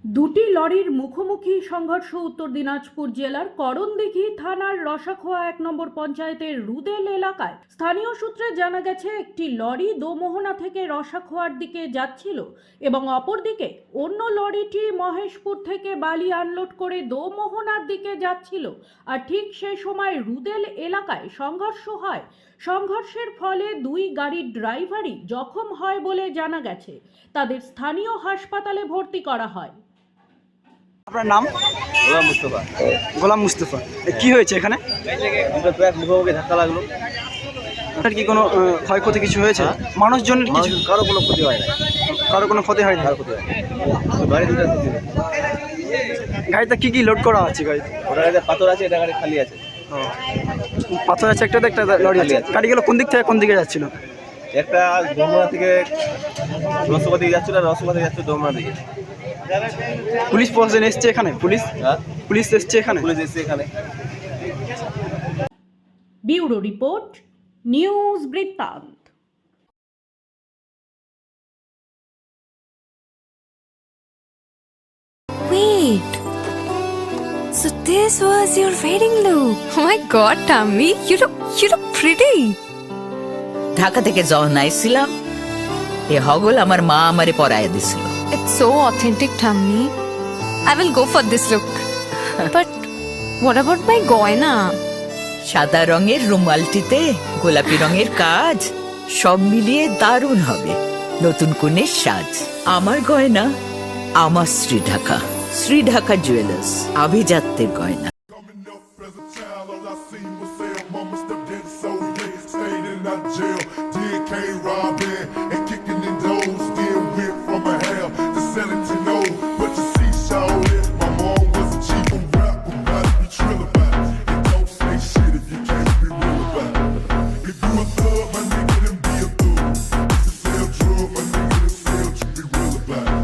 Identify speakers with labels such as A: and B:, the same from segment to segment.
A: দুটি লরির মুখোমুখি সংঘর্ষ উত্তর দিনাজপুর জেলার করণদিঘি থানার রসাখোয়া ১ নম্বর পঞ্চায়েতের রুদেল এলাকায়। স্থানীয় সূত্রে জানা গেছে, একটি লরি দোমোহনা থেকে রসাখোয়ার দিকে যাচ্ছিল এবং অপরদিকে অন্য লরিটি মহেশপুর থেকে বালি আনলোড করে দোমোহনার দিকে যাচ্ছিল। আর ঠিক সে সময় রুদেল এলাকায় সংঘর্ষ হয়। সংঘর্ষের ফলে দুই গাড়ির ড্রাইভারই জখম হয় বলে জানা গেছে। তাদের স্থানীয় হাসপাতালে ভর্তি করা হয়।
B: আপনার নাম?
C: গোলাম মুস্তফা।
B: গোলাম মুস্তফা। কি হয়েছে এখানে?
C: দুটো ট্রাক মুখোমুখি ধাক্কা লাগলো।
B: আপনার কি কোনো ক্ষয়ক্ষতি কিছু হয়েছে? মানুষজনের কিছু?
C: কারো কোনো ক্ষতি হয় না।
B: কারো কোনো ক্ষতি হয়নি?
C: কারো ক্ষতি হয় না। গাড়ি দুটো ক্ষতি হয়।
B: গাড়িতে কি কি লোড করা আছে গাড়িতে?
C: ওটা গাড়িতে পাথর আছে, এটা গাড়ি খালি আছে।
B: পাথর আছে একটাতে, একটা লরি আছে। গাড়িগুলো কোন দিক থেকে কোন দিকে যাচ্ছিল?
C: একটা দোমনা থেকে রসগোল্লা দিকে যাচ্ছিল, আর রসগোল্লা থেকে যাচ্ছে দোমনা দিকে।
B: পুলিশ প্রশাসন এসছে এখানে?
C: হ্যাঁ,
B: পুলিশ এসছে এখানে?
C: পুলিশ এসছে এখানে।
A: ব্যুরো রিপোর্ট, নিউজ বৃত্তান্ত।
D: Wait. So this was your wedding look. Oh my god, Tammy, you look pretty.
E: Dhaka থেকে যখন আইছিলাম, এ হগল আমার মা আমারে পরায় দিছিল।
D: It's so authentic, Tammy. I will go for this look. But what about my goina?
E: সাদা রঙের রুমালটিতে গোলাপি রঙের কাজ, সব মিলিয়ে দারুণ হবে নতুন কনের সাজ। আমার গয়না আমার শ্রী ঢাকা জুয়েলার্স, আভিজাত্যের গয়না।
F: Coming up as a child, all I seen was sell. Mama stepped in so late, stayed in that jail. Did K-robbing and kicking in doors. Still went from a hell to selling to no. But you see, shawty, my mom was a cheap rapper. Gotta be trill about it. And don't say shit if you can't be real about it. If you a thug, my nigga, then be a thug. If you sell drugs, my nigga, then sell to be real about it.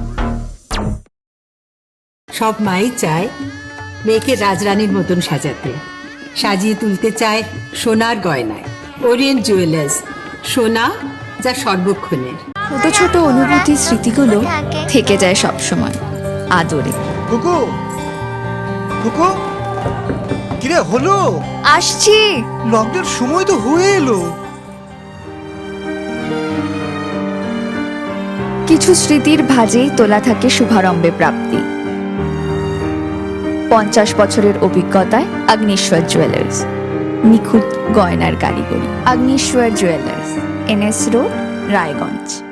G: সব মাই চায় মেয়েকে রাজরানীর মতন সাজাতে, সাজিয়ে তুলতে চায় সোনার গয়নায়। Orient jewellers, সোনা যা সর্বক্ষণের।
D: ছোট ছোট অনুভূতি, স্মৃতিগুলো থেকে যায় সব সময় আদরে।
B: কুকু, কুকু, কিরে হলো?
D: আসছি।
B: লকডাউন সময় তো হয়ে এলো।
D: কিছু স্মৃতির ভাজেই তোলা থাকে শুভারম্ভে প্রাপ্তি। 50 বছরের অভিজ্ঞতায় আগ্নেশ্বর জুয়েলার্স, নিখুঁত গয়নার কারিগরি। Agneshwar jewellers, NS road, Raiganj.